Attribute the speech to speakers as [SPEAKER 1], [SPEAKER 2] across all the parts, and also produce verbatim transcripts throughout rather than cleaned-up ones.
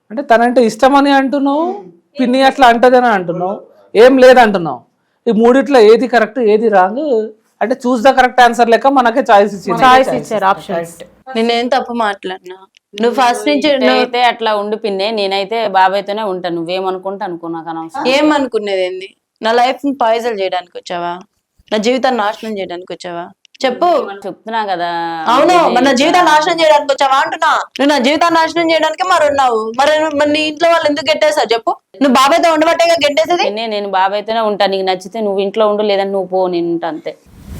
[SPEAKER 1] అంటే తనంటే ఇష్టమని అంటున్నావు, పిన్ని అట్లా అంటదని అంటున్నావు, ఏం లేదంటున్నావు. ఈ మూడిట్లో ఏది కరెక్ట్ ఏది రాంగ్ అంటే చూస్ ద కరెక్ట్ ఆన్సర్ లెక్క మనకే చాయిస్ ఇచ్చింది.
[SPEAKER 2] చాయిస్ ఇచ్చారు ఆప్షన్స్.
[SPEAKER 3] నేనేం తప్పు మాట్లాడినా? నువ్వు ఫస్ట్ నుంచి
[SPEAKER 4] అయితే అట్లా ఉండి పిన్నే, నేనైతే బాబాయ్తోనే ఉంటాను. నువ్వేమనుకుంటా అనుకో, నాకు అనవసరం.
[SPEAKER 3] ఏమనుకునేది ఏంది? నా లైఫ్ ని పాయిజన్ చేయడానికి వచ్చావా? నా జీవితాన్ని నాశనం చేయడానికి వచ్చావా? చెప్పు.
[SPEAKER 4] చెప్తున్నా కదా.
[SPEAKER 3] అవును, మరి నా జీవితాన్ని నాశనం చేయడానికి వచ్చావా అంటున్నా. నువ్వు నా జీవితాన్ని నాశనం చేయడానికి మరి ఉన్నావు. మరి మరి నీ ఇంట్లో వాళ్ళు ఎందుకు గెట్టేసావు చెప్పు? నువ్వు బాబాయ్తో ఉండబట్టేగా గెట్టేసేది.
[SPEAKER 4] పిన్నే, నేను బాబాయ్తోనే ఉంటాను. నీకు నచ్చితే నువ్వు ఇంట్లో ఉండు, లేదంటే నువ్వు పో, నేను ఉంటా అంతే.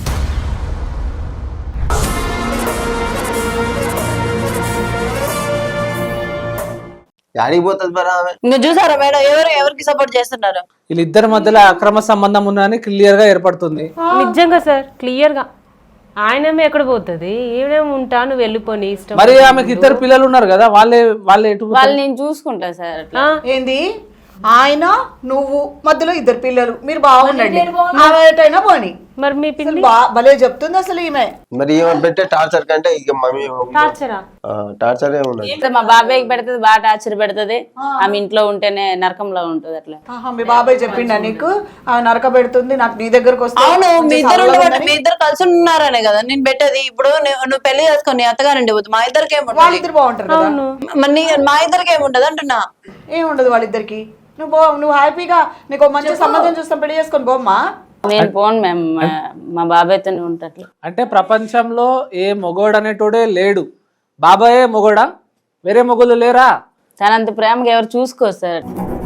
[SPEAKER 5] యాడిపోతుంది మరి ఆమె?
[SPEAKER 3] ఇంకా చూసారా మేడం, ఎవరు ఎవరికి సపోర్ట్ చేస్తున్నారు?
[SPEAKER 1] వీళ్ళిద్దరి మధ్యలో అక్రమ సంబంధం ఉందని క్లియర్ గా ఏర్పడుతుంది.
[SPEAKER 2] నిజంగా సార్ క్లియర్ గా. ఆయనేమో ఎక్కడ పోతుంది, ఈయనేమో ఉంటా, నువ్వు వెళ్ళిపోని ఇష్టం.
[SPEAKER 1] మరి ఆమెకి ఇద్దరు పిల్లలు ఉన్నారు కదా, వాళ్ళే వాళ్ళే ఎటు
[SPEAKER 4] వాళ్ళు నేను చూసుకుంటా సార్. అట్లా
[SPEAKER 6] ఏంది ఆయన నువ్వు మధ్యలో ఇద్దరు పిల్లలు, మీరు బాగుండండి, ఆమె ఎటైనా పోని.
[SPEAKER 2] మరి మీ పిన్ని
[SPEAKER 6] బా- భలే చెప్తుంది అసలు ఈమె.
[SPEAKER 5] మరి ఏమని పెట్టే టార్చర్ కంటే ఇక మమ్మీ
[SPEAKER 2] టార్చరా?
[SPEAKER 5] టార్చర్ ఏమున్నది?
[SPEAKER 4] అయితే మా బాబాయ్కి పెడుతుంది, బాగా టార్చర్ పెడుతుంది. ఆమె ఇంట్లో ఉంటేనే నరకంలో ఉంటది. అట్లా
[SPEAKER 6] ఆహా, మీ బాబాయ్ చెప్పిండా నీకు ఆమె నరక పెడుతుంది, నాకు నీ దగ్గరకు వస్తే
[SPEAKER 3] అవును, మీ
[SPEAKER 6] మంచి
[SPEAKER 3] ఇద్దరు
[SPEAKER 6] చల్లగా
[SPEAKER 3] ఉండబట్టి
[SPEAKER 6] ఉందని?
[SPEAKER 3] మీ ఇద్దరు కలిసి ఉన్నారనే కదా నేను పెట్టేది. ఇప్పుడు నువ్వు నువ్వు పెళ్లి చేసుకొని అత్తగారండి పోతుంది, మా ఇద్దరికి ఏముంటది?
[SPEAKER 6] వాళ్ళిద్దరు బాగుంటారు కదా.
[SPEAKER 3] మరి నీ- మా ఇద్దరికి ఏముంటది అంటున్నా.
[SPEAKER 6] ఏముండదు వాళ్ళిద్దరికి. నువ్వు పో, నువ్వు హ్యాపీగా నీకు ఓ మంచి సంబంధం చూస్తాం, పెళ్లి చేసుకొని పోమ్మా.
[SPEAKER 4] నేను పోను మ్యామ్, మా బాబాయ్తోనే ఉంటా. అట్లా
[SPEAKER 1] అంటే ప్రపంచంలో ఏ మొగోడు అనేటోడే లేడు, బాబాయే మొగోడా, వేరే మొగోళ్ళు లేరా?
[SPEAKER 4] తనంత ప్రేమగా ఎవరు చూసుకోరు సార్.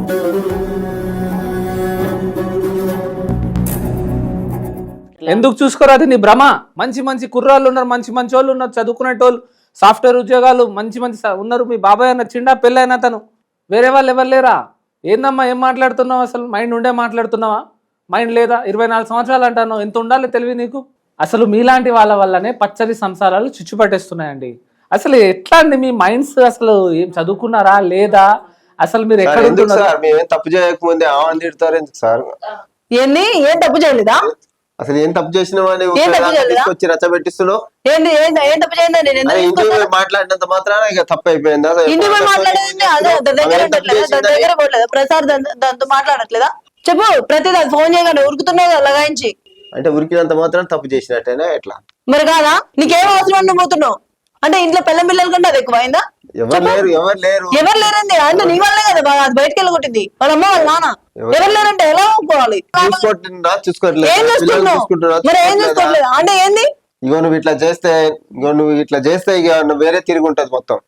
[SPEAKER 1] ఎందుకు చూసుకోరు? అది నీ భ్రమ. మంచి మంచి కుర్రాళ్ళు ఉన్నారు, మంచి మంచి వాళ్ళు ఉన్నారు, చదువుకునేటోళ్ళు, సాఫ్ట్వేర్ ఉద్యోగాలు మంచి మంచి స- ఉన్నారు. మీ బాబాయ్ అన్న చిండా పెళ్ళైనా తను, వేరే వాళ్ళు ఎవరు లేరా? ఏందమ్మా ఏం మాట్లాడుతున్నావు? అసలు మైండ్ ఉండే మాట్లాడుతున్నావా? మైండ్ లేదా? ఇరవై నాలుగు సంవత్సరాలు అంటాను, ఎంత ఉండాలి తెలివి నీకు? అసలు మీలాంటి వాళ్ళ వల్లనే పచ్చడి సంసారాలు చిచ్చు పట్టేస్తున్నాయండి. అసలు ఎట్లా అండి మీ మైండ్స్? అసలు ఏం చదువుకున్నారా లేదా? అసలు మీరు ఎక్కడ
[SPEAKER 5] ఎందుకు
[SPEAKER 1] ఉంటున్నారు?
[SPEAKER 5] సార్ మేమేం తప్పు చేయకముందే ఆమె తిడతారు ఎందుకు సార్?
[SPEAKER 3] ఏంది? ఏం తప్పు చేయలేదా?
[SPEAKER 5] అసలు ఏం తప్పు చేసినావని
[SPEAKER 3] ఏం తప్పు చేయలేదా?
[SPEAKER 5] తీసుకొచ్చి రచ్చబెట్టిస్తున్నావు.
[SPEAKER 3] ఏంది ఏం ఏం తప్పు చేయండి? నేను ఎందుకు
[SPEAKER 5] అరే ఇంటికి
[SPEAKER 3] తీసుకొస్తాను?
[SPEAKER 5] పోయి మాట్లాడినంత మాత్రాన ఇక తప్పు అయిపోయిందా?
[SPEAKER 3] ఇంటికి పోయి మాట్లాడేది అదే దాని దగ్గర ఉండట్లేదా? దాని దగ్గర పోవట్లేదా? ప్రసాద్ దాని- దాంతో మాట్లాడట్లేదా? చెప్పు. ప్రతి దాని ఫోన్ చేయగానే ఉరుకుతున్నావు కదా లగాయించి.
[SPEAKER 5] అంటే ఉరికినంత మాత్రం తప్పు చేసినట్టేనా ఎట్లా?
[SPEAKER 3] మరి కాదా? నీకేం అవసరం ఉండి పోతున్నావు అంటే ఇంట్లో పిల్ల పిల్లల కంటే అది ఎక్కువైందా?
[SPEAKER 5] ఎవరు లేరు, ఎవరు లేరు.
[SPEAKER 3] ఎవరు లేరండి అంటే నీ వల్లే కదా బాగా అది బయటకు వెళ్ళగొట్టింది వాళ్ళ అమ్మ వాళ్ళ నాన్న. ఎవరు లేరంటే ఎలా ఒప్పుకోవాలి?
[SPEAKER 5] చూసుకుంటున్నా చూసుకోవట్లేదు,
[SPEAKER 3] ఏం
[SPEAKER 5] పిల్లలు
[SPEAKER 3] చూసుకుంటున్నావు?
[SPEAKER 5] చూసుకుంటున్నా
[SPEAKER 3] మరి ఏం
[SPEAKER 5] చూసుకోవట్లేదా?
[SPEAKER 3] చూసుకోవట్లేదు అంటే ఏంది?
[SPEAKER 5] ఇగో నువ్వు ఇట్లా చేస్తే ఇగో నువ్వు ఇట్లా చేస్తే ఇక నువ్వు వేరే తిరిగి ఉంటది మొత్తం.